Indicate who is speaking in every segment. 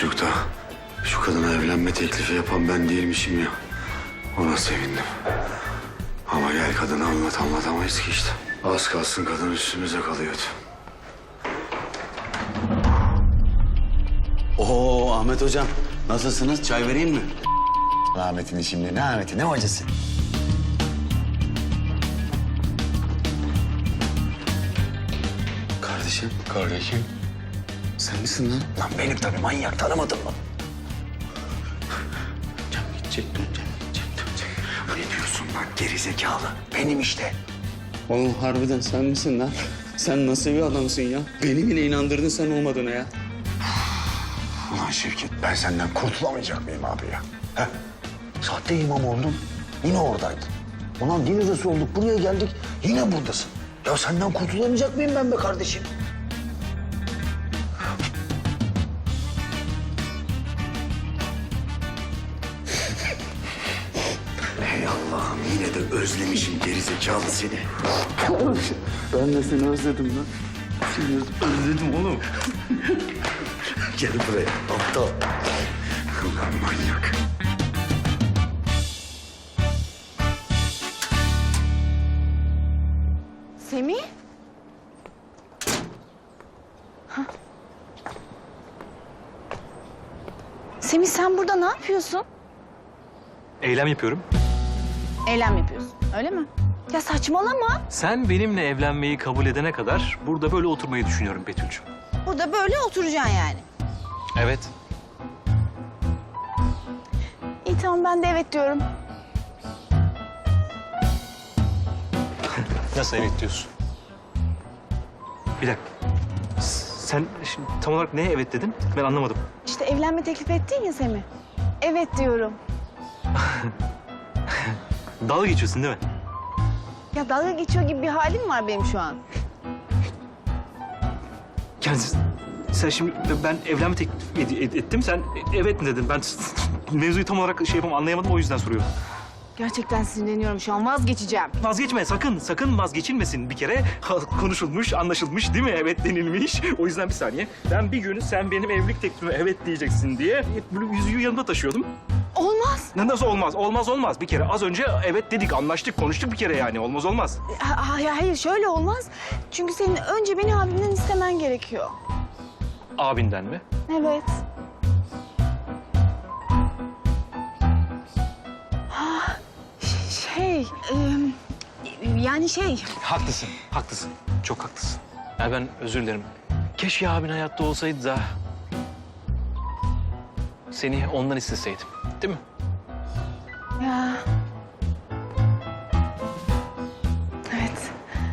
Speaker 1: çocukta şu kadına evlenme teklifi yapan ben değilmişim ya. Ona sevindim. Ama gel kadına anlatamayız ki işte. Az kalsın kadın üstümüze kalıyordu.
Speaker 2: Oo Ahmet hocam, nasılsınız? Çay vereyim mi? Ahmet'in şimdi ne Ahmet'i, ne hocası?
Speaker 1: Kardeşim.
Speaker 2: Sen misin lan? Lan benim tabii, manyak, tanımadın mı? Hocam gidecek, dönecek.
Speaker 1: Ne diyorsun lan gerizekalı? Benim işte.
Speaker 3: Oğlum harbiden sen misin lan? Sen nasıl bir adamsın ya? Beni bile inandırdın sen olmadığına ya.
Speaker 1: Ulan Şevket, ben senden kurtulamayacak mıyım abi ya? He? Sahte imam oldun, yine oradaydın. Ulan din hocası olduk, buraya geldik, yine buradasın. Ya senden kurtulamayacak mıyım ben be kardeşim? Hey Allah'ım, yine de özlemişim gerizekalı seni.
Speaker 3: Ben de seni özledim lan. Seni özledim oğlum.
Speaker 1: Gel buraya, aptal. Ulan manyak.
Speaker 4: Semih? Hah. Semih sen burada ne yapıyorsun?
Speaker 5: Eylem yapıyorum.
Speaker 4: Eylem yapıyorsun, öyle mi? Ya saçmalama.
Speaker 5: Sen benimle evlenmeyi kabul edene kadar burada böyle oturmayı düşünüyorum Betül'cüğüm.
Speaker 4: Burada böyle oturacaksın yani.
Speaker 5: Evet.
Speaker 4: İyi tamam ben de evet diyorum.
Speaker 5: Nasıl evet diyorsun? Bir dakika. Sen şimdi tam olarak neye evet dedin? Ben anlamadım.
Speaker 4: İşte evlenme teklif ettin ya Semih. Evet diyorum.
Speaker 5: Dalga geçiyorsun değil mi?
Speaker 4: Ya dalga geçiyor gibi bir halim var benim şu an.
Speaker 5: Yani sen şimdi ben evlenme teklif ettim. Sen evet mi dedin? Ben mevzuyu tam olarak anlayamadım, o yüzden soruyorum.
Speaker 4: Gerçekten sinirleniyorum şu an, vazgeçeceğim.
Speaker 5: Vazgeçme sakın, sakın vazgeçilmesin bir kere. Konuşulmuş, anlaşılmış değil mi? Evet denilmiş. O yüzden bir saniye. Ben bir gün sen benim evlilik teklifime evet diyeceksin diye böyle yüzüğü yanımda taşıyordum.
Speaker 4: Olmaz.
Speaker 5: Nasıl olmaz? Olmaz. Bir kere az önce evet dedik, anlaştık, konuştuk bir kere yani. Olmaz.
Speaker 4: Hayır şöyle olmaz. Çünkü senin önce beni abimden istemen gerekiyor.
Speaker 5: Abinden mi?
Speaker 4: Evet. Ha, yani
Speaker 5: Haklısın. Çok haklısın. Ya ben özür dilerim. Keşke abin hayatta olsaydı da seni ondan isteseydim. Değil mi?
Speaker 4: ya. Evet.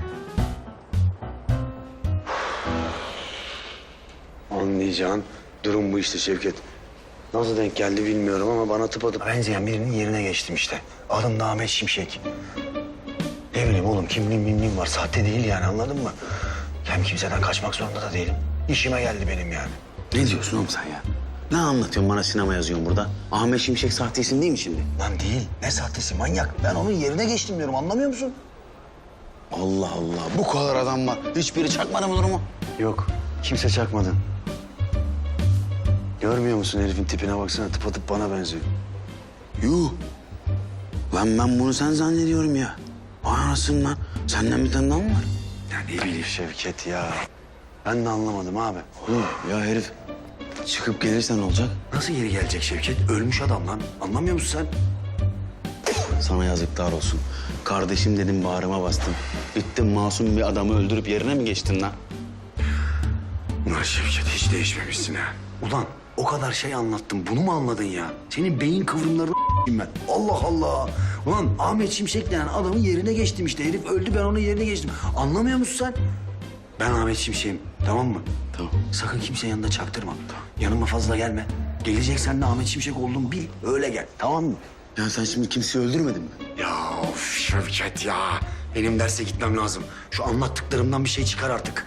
Speaker 1: Anlayacağın durum bu işte Şevket. Nasıl denk geldi bilmiyorum ama bana tıpatıp benzeyen birinin yerine geçtim işte. Adım da Ahmet Şimşek. Ne bileyim oğlum, kimliğim var. Sahte değil yani, anladın mı? Hem kimseden kaçmak zorunda da değilim. İşime geldi benim yani.
Speaker 2: Ne diyorsun oğlum sen ya? Ne anlatıyorsun bana, sinema yazıyorsun burada? Ahmet Şimşek sahte isim değil mi şimdi?
Speaker 1: Lan değil. Ne sahtesi manyak. Ben onun yerine geçtim diyorum, anlamıyor musun?
Speaker 2: Allah Allah, bu kadar adam var. Hiçbiri çakmadı mı durumu?
Speaker 1: Yok. Kimse çakmadı. Görmüyor musun herifin tipine baksana. Tıpatıp bana benziyor.
Speaker 2: Yuh! Lan ben bunu sen zannediyorum ya. Vay anasını lan. Senden bir tane daha mı var?
Speaker 1: Ya ne bileyim Şevket ya. Ben de anlamadım abi.
Speaker 2: Oğlum ya herif çıkıp gelirse ne olacak?
Speaker 1: Nasıl geri gelecek Şevket? Ölmüş adam lan. Anlamıyor musun sen?
Speaker 2: Sana yazıklar olsun. Kardeşim dedim, bağrıma bastım. Gittin masum bir adamı öldürüp yerine mi geçtin lan?
Speaker 1: Ulan Şevket, hiç değişmemişsin ha. Ulan o kadar şey anlattım. Bunu mu anladın ya? Senin beyin kıvrımlarını ben. Allah Allah. Ulan Ahmet Şimşek denen adamın yerine geçtim işte. Herif öldü, ben onun yerine geçtim. Anlamıyor musun sen? Ben Ahmet Şimşek'im, tamam mı?
Speaker 2: Tamam.
Speaker 1: Sakın kimse yanında çaktırma. Yanıma fazla gelme. Geleceksen de Ahmet Şimşek olduğumu bil. Öyle gel, tamam mı?
Speaker 2: Ya sen şimdi kimseyi öldürmedin mi?
Speaker 1: Ya of Şevket ya. Benim derse gitmem lazım. Şu anlattıklarımdan bir şey çıkar artık.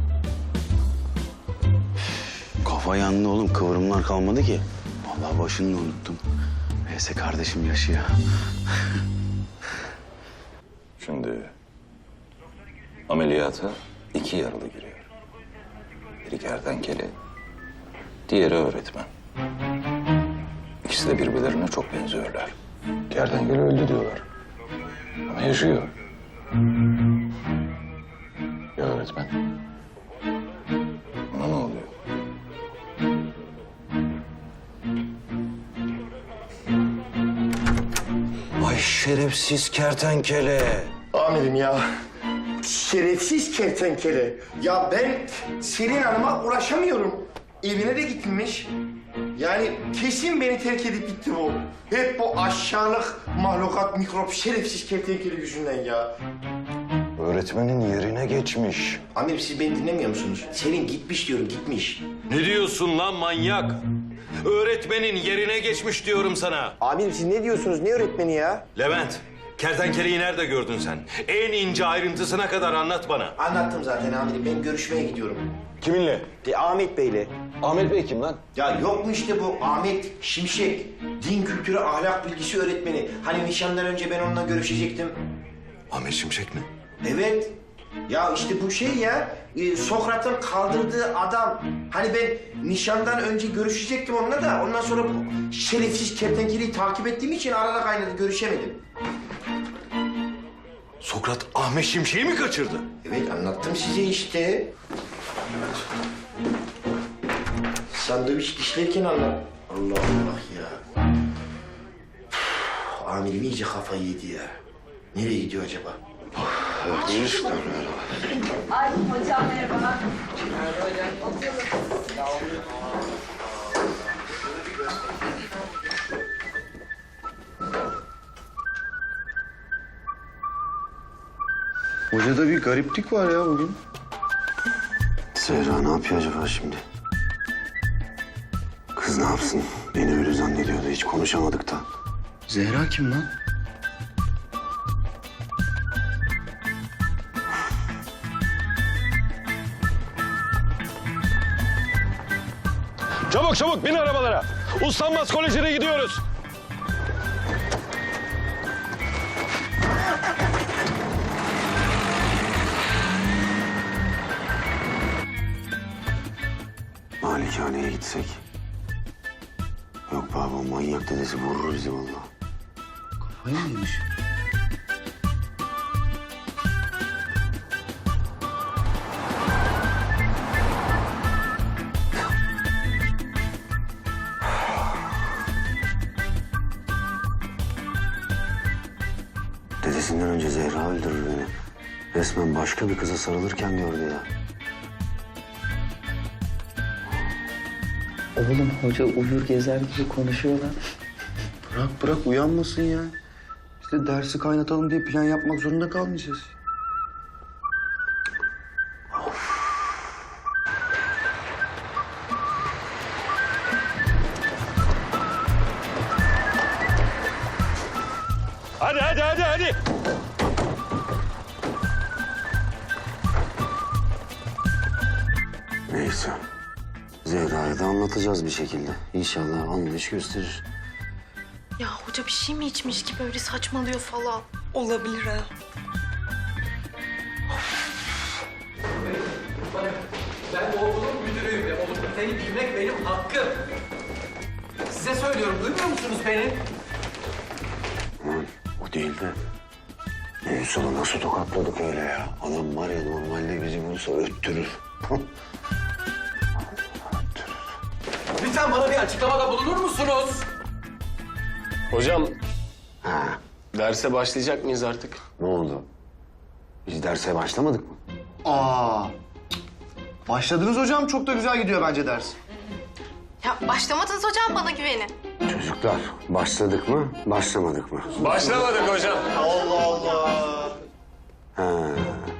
Speaker 2: Kafa yandı oğlum, kıvrımlar kalmadı ki. Vallahi başını da unuttum. Neyse kardeşim yaşıyor.
Speaker 6: Şimdi ameliyata 2 yaralı giriyor. Biri kertenkele, diğeri öğretmen. İkisi de birbirlerine çok benziyorlar. Kertenkele öldü diyorlar. Ama yaşıyor. Ya öğretmen? Ona ne oluyor?
Speaker 1: Ay şerefsiz kertenkele.
Speaker 7: Amirim ya. Şerefsiz kertenkele. Ya ben Selin Hanım'a ulaşamıyorum. Evine de gitmiş. Yani kesin beni terk edip gitti bu. Hep bu aşağılık mahlukat, mikrop, şerefsiz kertenkele yüzünden ya.
Speaker 1: Öğretmenin yerine geçmiş.
Speaker 7: Amirim siz beni dinlemiyor musunuz? Selin gitmiş diyorum, gitmiş.
Speaker 8: Ne diyorsun lan manyak? Öğretmenin yerine geçmiş diyorum sana.
Speaker 7: Amirim siz ne diyorsunuz? Ne öğretmeni ya?
Speaker 8: Levent, kertenkeleyi nerede gördün sen? En ince ayrıntısına kadar anlat bana.
Speaker 7: Anlattım zaten amirim. Ben görüşmeye gidiyorum.
Speaker 8: Kiminle?
Speaker 7: Ahmet Bey'le.
Speaker 8: Ahmet Bey kim lan?
Speaker 7: Ya yok mu işte bu Ahmet Şimşek, din kültürü ahlak bilgisi öğretmeni. Hani nişandan önce ben onunla görüşecektim.
Speaker 8: Ahmet Şimşek mi?
Speaker 7: Evet. Ya işte bu şey ya, Sokrat'ın kaldırdığı adam. Hani ben nişandan önce görüşecektim onunla da ondan sonra bu şerefsiz kertenkeleyi takip ettiğim için arada kaynadı, görüşemedim.
Speaker 8: Sokrat Ahmet Şimşek'i mi kaçırdı?
Speaker 7: Evet anlattım size işte. Sandviç dişlerken anlat. Allah Allah ya. Üf, amirim iyice kafayı yedi ya. Nereye gidiyor acaba?
Speaker 9: Ay hocam merhaba.
Speaker 2: Hocada bir gariplik var ya bugün.
Speaker 1: Zehra ne yapıyor acaba şimdi? Kız ne yapsın? Beni öyle zannediyordu. Hiç konuşamadık da.
Speaker 2: Zehra kim lan?
Speaker 8: Çabuk çabuk bin arabalara. Uslanmaz Koleji'ne gidiyoruz.
Speaker 1: Malikaneye gitsek. Yok baba manyak dedesi vurur bizi vallahi.
Speaker 2: Kafayı mı yemiş?
Speaker 1: Dedesinden önce Zehra öldürür beni. Resmen başka bir kıza sarılırken gördü ya.
Speaker 3: Oğlum hoca uyur gezer gibi konuşuyorlar.
Speaker 2: Bırak uyanmasın ya. İşte dersi kaynatalım diye plan yapmak zorunda kalmayacağız.
Speaker 8: Hadi.
Speaker 1: Neyse. Zehra'ya da anlatacağız bir şekilde. İnşallah anlayış gösterir.
Speaker 4: Ya hoca bir şey mi içmiş ki böyle saçmalıyor falan? Olabilir ha.
Speaker 10: Ben bu okulun müdürüyüm ve oğlum seni bilmek benim hakkım. Size söylüyorum, duymuyor musunuz beni?
Speaker 1: Aman o değil de. Ünsal'ı nasıl tokatladık öyle ya? Adam var ya normalde bizi bulsa öttürür.
Speaker 10: Lütfen bana bir açıklamada bulunur musunuz?
Speaker 6: Hocam,
Speaker 1: Ha,
Speaker 6: derse başlayacak mıyız artık?
Speaker 1: ne oldu? Biz derse başlamadık mı?
Speaker 11: Başladınız hocam. Çok da güzel gidiyor bence ders.
Speaker 4: Ya başlamadınız hocam, bana güvenin.
Speaker 1: Çocuklar başladık mı, başlamadık mı?
Speaker 6: Başlamadık hocam.
Speaker 1: Ha.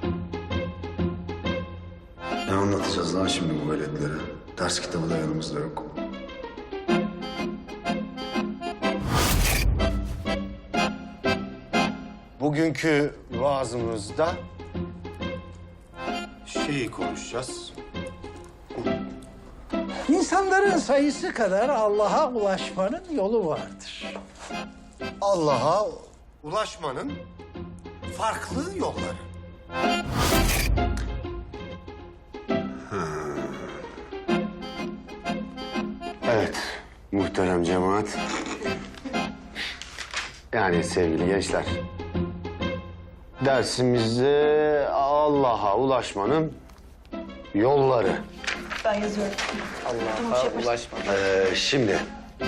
Speaker 1: Ne anlatacağız lan şimdi bu veletlere? Ders kitabı da yanımızda yok.
Speaker 11: Bugünkü vaazımızda şeyi konuşacağız.
Speaker 12: İnsanların sayısı kadar Allah'a ulaşmanın yolu vardır.
Speaker 11: Allah'a ulaşmanın farklı yolları.
Speaker 1: Evet, muhterem cemaat.
Speaker 11: Yani sevgili gençler, dersimizde Allah'a ulaşmanın yolları.
Speaker 4: Ben yazıyorum.
Speaker 3: Allah'a ulaşma.
Speaker 11: Şimdi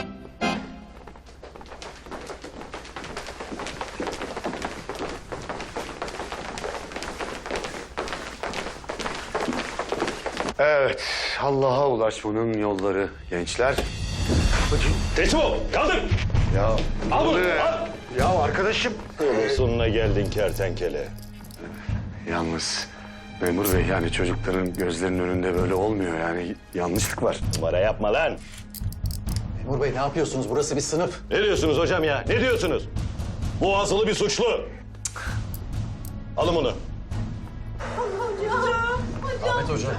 Speaker 11: evet, Allah'a ulaşmanın yolları gençler.
Speaker 8: Teçmo, kaldır.
Speaker 11: Ya
Speaker 8: Al bunu,
Speaker 11: ne?
Speaker 8: al.
Speaker 11: Ya arkadaşım.
Speaker 8: Sonuna geldin kertenkele.
Speaker 11: Yalnız memur bey, yani çocukların gözlerinin önünde böyle olmuyor, yani yanlışlık var.
Speaker 8: Numara yapma lan.
Speaker 10: Memur Bey ne yapıyorsunuz? Burası bir sınıf.
Speaker 8: Ne diyorsunuz hocam ya? Ne diyorsunuz? Bu azılı bir suçlu. Alın bunu.
Speaker 10: Ahmet Hocam.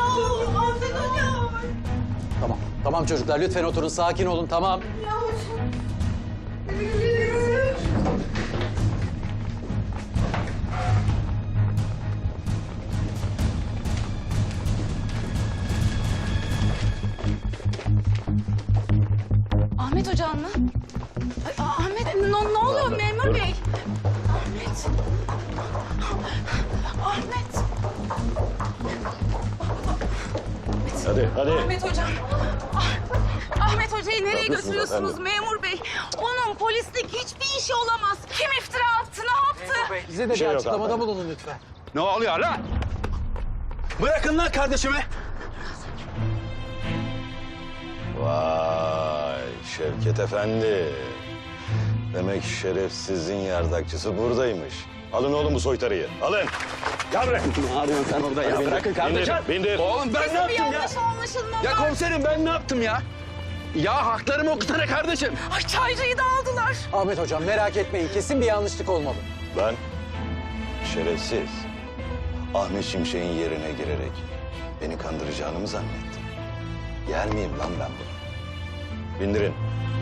Speaker 10: Tamam çocuklar lütfen oturun. Sakin olun tamam.
Speaker 4: Ahmet hocam mı? Ay, Ahmet ne oluyor memur bey? Ahmet. Ahmet.
Speaker 8: Hadi.
Speaker 4: Ahmet hocam. Ahmet hocayı nereye
Speaker 8: yapıyorsunuz
Speaker 4: götürüyorsunuz
Speaker 8: efendim?
Speaker 4: memur bey? Onun polislik hiçbir işi olamaz. Kim iftira attı, ne yaptı?
Speaker 10: Bize de bir
Speaker 8: şey yok
Speaker 10: açıklamada
Speaker 8: hanımefendi.
Speaker 10: bulunun lütfen.
Speaker 2: Ne oluyor lan? Bırakın lan kardeşimi.
Speaker 8: Vay Şevket Efendi. Demek şerefsizin yardakçısı buradaymış. Alın oğlum bu soytarıyı. Alın. Gel buraya.
Speaker 2: Ne arıyorsun sen orada ya? Bırakın kardeşim.
Speaker 8: Bindir.
Speaker 2: Oğlum ben ne
Speaker 4: Bir
Speaker 2: yaptım ya?
Speaker 4: yanlış anlaşılma
Speaker 2: Ya
Speaker 4: var.
Speaker 2: komiserim ben ne yaptım ya? Ya haklarımı okutsana kardeşim.
Speaker 4: Ay çaycıyı da aldılar.
Speaker 10: Ahmet Hocam merak etmeyin. Kesin bir yanlışlık olmalı.
Speaker 8: Ben şerefsiz Ahmet Şimşek'in yerine girerek beni kandıracağını mı zannettin? Yer miyim lan ben bunu? Bindirin.